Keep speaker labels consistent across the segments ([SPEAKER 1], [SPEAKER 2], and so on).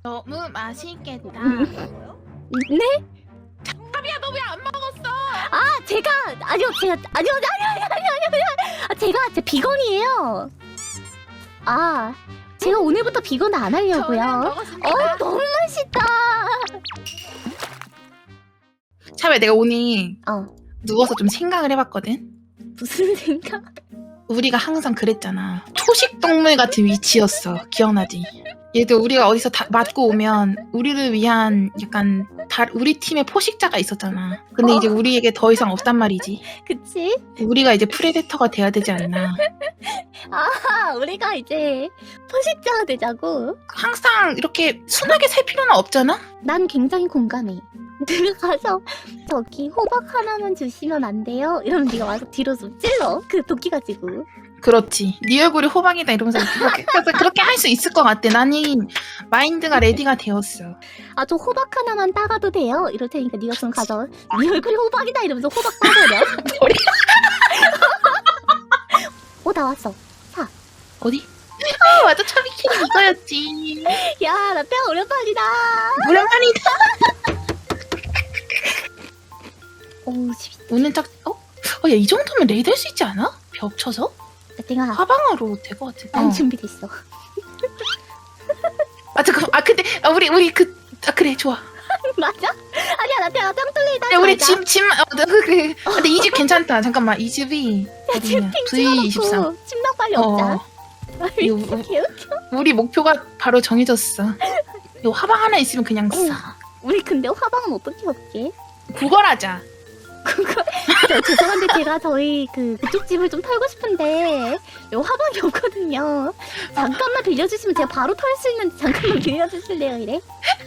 [SPEAKER 1] 너무 맛있겠다.
[SPEAKER 2] 네?
[SPEAKER 1] 차비야 너 왜 안 먹었어?
[SPEAKER 2] 아 제가 아니요 제가 비건이에요. 아 제가 오늘부터 비건 안
[SPEAKER 1] 저는
[SPEAKER 2] 하려고요.
[SPEAKER 1] 먹었습니다.
[SPEAKER 2] 너무 맛있다.
[SPEAKER 1] 차비야 내가 오늘
[SPEAKER 2] 어
[SPEAKER 1] 누워서 좀 생각을 해봤거든.
[SPEAKER 2] 무슨 생각?
[SPEAKER 1] 우리가 항상 그랬잖아. 초식 동물 같은 위치였어. 기억나지? 얘도 우리가 어디서 맞고 오면 우리를 위한 약간 우리 팀에 포식자가 있었잖아. 근데 이제 우리에게 더 이상 없단 말이지.
[SPEAKER 2] 그치?
[SPEAKER 1] 우리가 이제 프레데터가 돼야 되지 않나.
[SPEAKER 2] 아 우리가 이제 포식자가 되자고.
[SPEAKER 1] 항상 이렇게 순하게 살 필요는 없잖아?
[SPEAKER 2] 난 굉장히 공감해. 내가 가서 저기 호박 하나만 주시면 안 돼요? 이러면 네가 와서 뒤로 좀 찔러. 그 도끼 가지고.
[SPEAKER 1] 그렇지. 네 얼굴이 호박이다 이러면서 그렇게 할 수 있을 것 같아. 나는 마인드가 레디가 되었어.
[SPEAKER 2] 아 저 호박 하나만 따가도 돼요? 이럴 테니까 네가 좀 가서 네 얼굴이 호박이다 이러면서 호박 따버려. 나왔어. 사.
[SPEAKER 1] 어디? 아 맞아. 차비키는 이거였지.
[SPEAKER 2] 야 나 뼈 오랜만이다.
[SPEAKER 1] 오랜만이다.
[SPEAKER 2] 오
[SPEAKER 1] 오늘 딱 야 이 정도면 레이드 할 수 있지 않아? 벽 쳐서?
[SPEAKER 2] 내가
[SPEAKER 1] 하방으로 될 것 같아.
[SPEAKER 2] 안 준비됐어.
[SPEAKER 1] 아 잠깐. 근데 우리 그래 좋아.
[SPEAKER 2] 맞아? 아니야 나 내가 짱 뚫리다.
[SPEAKER 1] 야 우리 짐 그래. 근데 이 집 괜찮다. 잠깐만 이 집이 어디냐? V23.
[SPEAKER 2] 침낭 빨리 없자.
[SPEAKER 1] 이거
[SPEAKER 2] 개웃겨.
[SPEAKER 1] 우리 목표가 바로 정해졌어. 이 화방 하나 있으면 그냥 싸.
[SPEAKER 2] 우리 근데 화방은 어떻게 얻게?
[SPEAKER 1] 구걸하자.
[SPEAKER 2] 죄송한데 제가 저희 그쪽 집을 좀 털고 싶은데 요 화방이 없거든요. 잠깐만 빌려주시면 제가 바로 털 수 있는데 잠깐만 빌려주실래요 이래?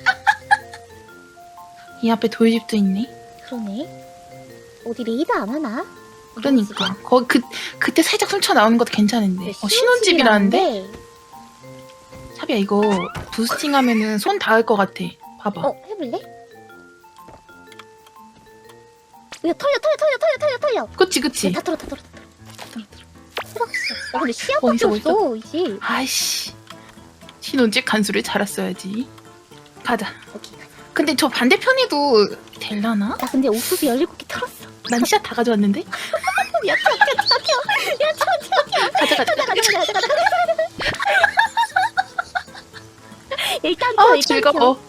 [SPEAKER 1] 이 앞에 돌집도 있네.
[SPEAKER 2] 그러네. 어디 레이드 안 하나?
[SPEAKER 1] 그러니까 거기 그때 살짝 훔쳐 나오는 것도 괜찮은데. 신혼집이라는데? 차비야 이거 부스팅하면은 손 닿을 것 같아. 봐봐.
[SPEAKER 2] 해볼래? 야 털려.
[SPEAKER 1] 그치.
[SPEAKER 2] 다 털어. 근데 시야밖에
[SPEAKER 1] 어디서
[SPEAKER 2] 없어 이제.
[SPEAKER 1] 아이씨. 신혼집 간수를 잘했어야지. 가자.
[SPEAKER 2] 오케이.
[SPEAKER 1] 근데 저 반대편에도 될라나?
[SPEAKER 2] 나 근데 옥수수 17개 털었어.
[SPEAKER 1] 난 씨앗 다 가져왔는데?
[SPEAKER 2] 야 튀어. 가자. 일단 튀어.
[SPEAKER 1] 즐거워.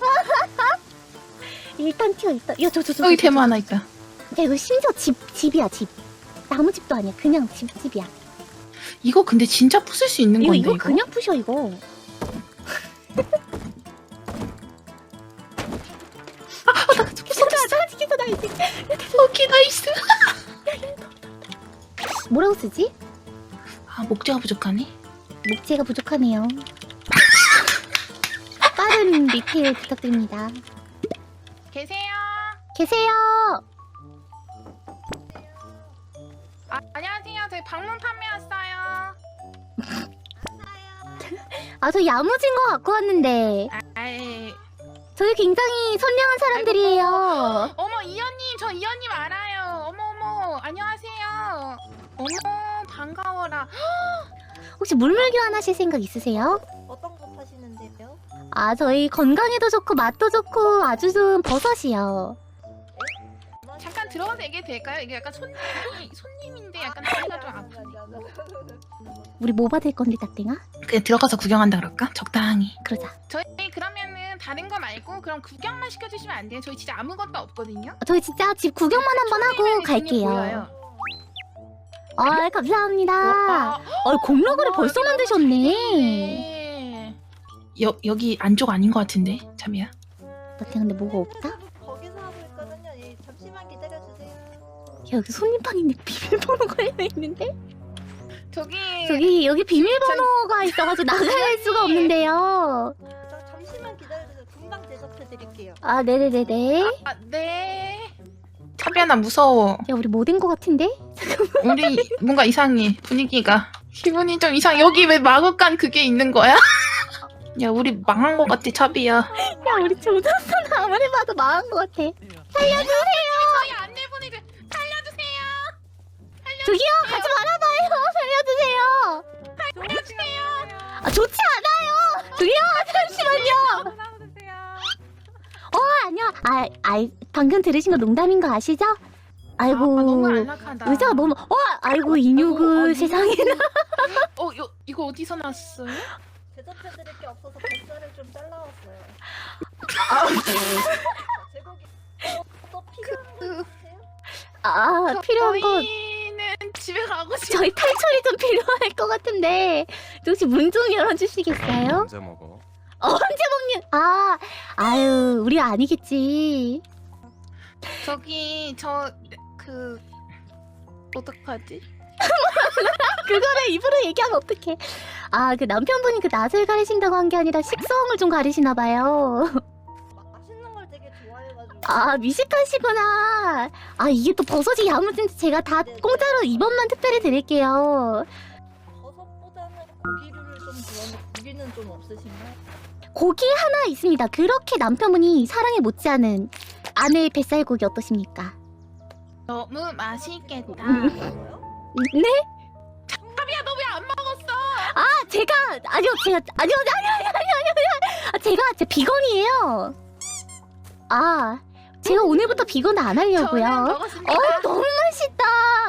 [SPEAKER 2] 일단 튀어. 야 저.
[SPEAKER 1] 여기 대마 하나 있다.
[SPEAKER 2] 야 이거 심지어 집이야 집. 나무집도 아니야. 그냥 집이야.
[SPEAKER 1] 이거 근데 진짜 부술 수 있는 건데
[SPEAKER 2] 이거 그냥 부셔 이거. 나 이제.
[SPEAKER 1] 오케이 나이스.
[SPEAKER 2] 뭐라고 쓰지?
[SPEAKER 1] 목재가 부족하네.
[SPEAKER 2] 목재가 부족하네요. 빠른 리필 부탁드립니다. 계세요.
[SPEAKER 1] 안녕하세요. 저희 방문 판매 왔어요.
[SPEAKER 2] 아 저 야무진 거 갖고 왔는데. 저희 굉장히 선량한 사람들이에요.
[SPEAKER 1] 어머 이현님, 저 이현님 알아요. 어머 안녕하세요. 어머 반가워라.
[SPEAKER 2] 혹시 물물교환 하실 생각 있으세요?
[SPEAKER 3] 어떤 거 파시는데요?
[SPEAKER 2] 아 저희 건강에도 좋고 맛도 좋고 아주 좋은 버섯이요.
[SPEAKER 1] 잠깐 들어가서 얘기해도 될까요? 이게 약간 손님인데 약간 다리가 좀 아프네.
[SPEAKER 2] 우리 뭐 받을 건데 딱땡아?
[SPEAKER 1] 그냥 들어가서 구경한다 그럴까? 적당히.
[SPEAKER 2] 그러자.
[SPEAKER 1] 저희 그러면은 다른 거 말고 그럼 구경만 시켜주시면 안 돼요? 저희 진짜 아무것도 없거든요.
[SPEAKER 2] 저희 진짜 집 구경만 한번 하고 갈게요. 아 감사합니다. 공로그를 벌써 만드셨네.
[SPEAKER 1] 네. 여기 안쪽 아닌 것 같은데 참이야.
[SPEAKER 2] 딱땡 근데 뭐가 없다?
[SPEAKER 3] 거기서 하고 있거든요. 예, 잠시만 기다려주세요.
[SPEAKER 2] 야, 여기 손님방인데 비밀번호 걸려있는데?
[SPEAKER 1] 저기
[SPEAKER 2] 여기 비밀번호가 있어가지고 나갈 수가 없는데요.
[SPEAKER 3] 잠시만 기다려주세요. 금방 대접해드릴게요.
[SPEAKER 2] 아 네네네네.
[SPEAKER 1] 네. 차비야 나 무서워.
[SPEAKER 2] 야 우리 뭐 된 거 같은데?
[SPEAKER 1] 우리 뭔가 이상해. 분위기가 기분이 좀 이상. 여기 왜 마구간 그게 있는 거야? 야 우리 망한 거 같아 차비야.
[SPEAKER 2] 야 우리 조졌어. 나 아무리 봐도 망한 거 같아. 살려주세요.
[SPEAKER 1] 저희 안내분들 살려주세요.
[SPEAKER 2] 저기요 가지 말아봐요. 살려주세요.
[SPEAKER 1] 살려주세요.
[SPEAKER 2] 아 좋지 않아요. 저기요 잠시만요. 방금 들으신 거 농담인 거 아시죠? 아이고
[SPEAKER 1] 너무 안락하다.
[SPEAKER 2] 의자가 너무 아이고 이누그 세상에나.
[SPEAKER 1] 이거 어디서 났어요?
[SPEAKER 3] 대접해드릴 게 없어서 뱃살을 좀 잘라왔어요. 제고기 또 필요한 거 있으세요?
[SPEAKER 2] 필요한 거
[SPEAKER 1] 저희는 집에 가고 싶어.
[SPEAKER 2] 저희 탈출이 좀 필요할 것 같은데 혹시 문 좀 열어주시겠어요?
[SPEAKER 4] 언제 먹어?
[SPEAKER 2] 언제 먹는? 아유 우리 아니겠지.
[SPEAKER 1] 저기 어떡하지?
[SPEAKER 2] 그거를 입으로 얘기하면 어떡해. 그 남편분이 그 낯을 가리신다고 한 게 아니라 식성을 좀 가리시나 봐요.
[SPEAKER 3] 맛있는 걸 되게 좋아해가지고.
[SPEAKER 2] 미식가시구나. 이게 또 버섯이 야무진데 제가 다 공짜로 이번만 특별히 드릴게요.
[SPEAKER 3] 버섯보다는 고기류를 좀 좋아하는데 고기는 좀 없으신가요?
[SPEAKER 2] 고기 하나 있습니다. 그렇게 남편분이 사랑에 못지않은 아내의 뱃살고기 어떠십니까?
[SPEAKER 1] 너무 맛있겠다.
[SPEAKER 3] 뭐요?
[SPEAKER 2] 네?
[SPEAKER 1] 탑이야 너 왜 안 먹었어?
[SPEAKER 2] 제가 제가 비건이에요. 제가 오늘부터 비건 안 하려고요.
[SPEAKER 1] 저는 먹었습니다.
[SPEAKER 2] 너무 맛있다.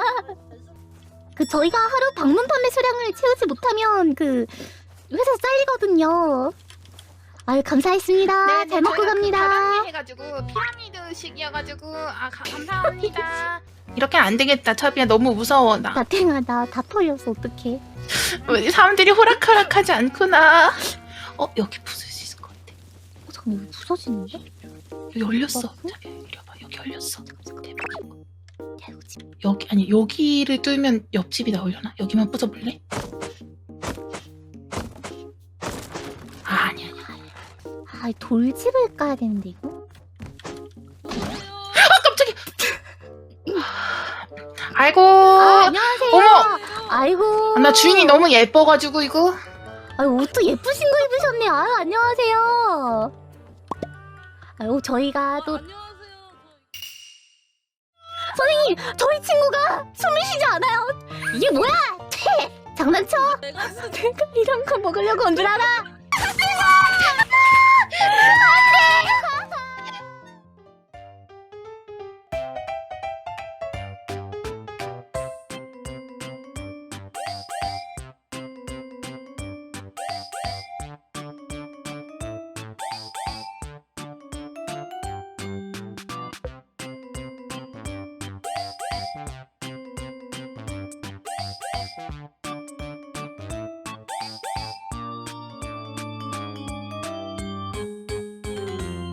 [SPEAKER 2] 저희가 하루 방문 판매 수량을 채우지 못하면 회사 잘리거든요. 감사했습니다. 잘 먹고 갑니다.
[SPEAKER 1] 다단계 해가지고 피라미드식이어가지고 감사합니다. 이렇게 안 되겠다. 차비야 너무 무서워 나.
[SPEAKER 2] 나탱하다. 다 털렸어. 어떡해.
[SPEAKER 1] 왜 사람들이 호락호락하지 않구나. 여기 부술 수 있을 것 같아.
[SPEAKER 2] 잠깐만 여기 부서지는데?
[SPEAKER 1] 여기 열렸어.
[SPEAKER 2] 뭐?
[SPEAKER 1] 차비야 이리 와봐. 여기 열렸어. 대박.
[SPEAKER 2] 야 이거 지금
[SPEAKER 1] 여기를 뚫면 옆집이 나오려나? 여기만 부숴볼래? 아니야.
[SPEAKER 2] 돌집을 까야 되는데 이거?
[SPEAKER 1] 깜짝이야. 아이고.
[SPEAKER 2] 안녕하세요.
[SPEAKER 1] 어머.
[SPEAKER 2] 아이고.
[SPEAKER 1] 나 주인이 너무 예뻐가지고 이거.
[SPEAKER 2] 옷도 예쁘신 거 입으셨네. 안녕하세요. 저희가 또 선생님, 저희 친구가 숨을 쉬지 않아요. 이게 뭐야? 장난쳐? 내가 이런 거 먹으려고 온 줄 알아?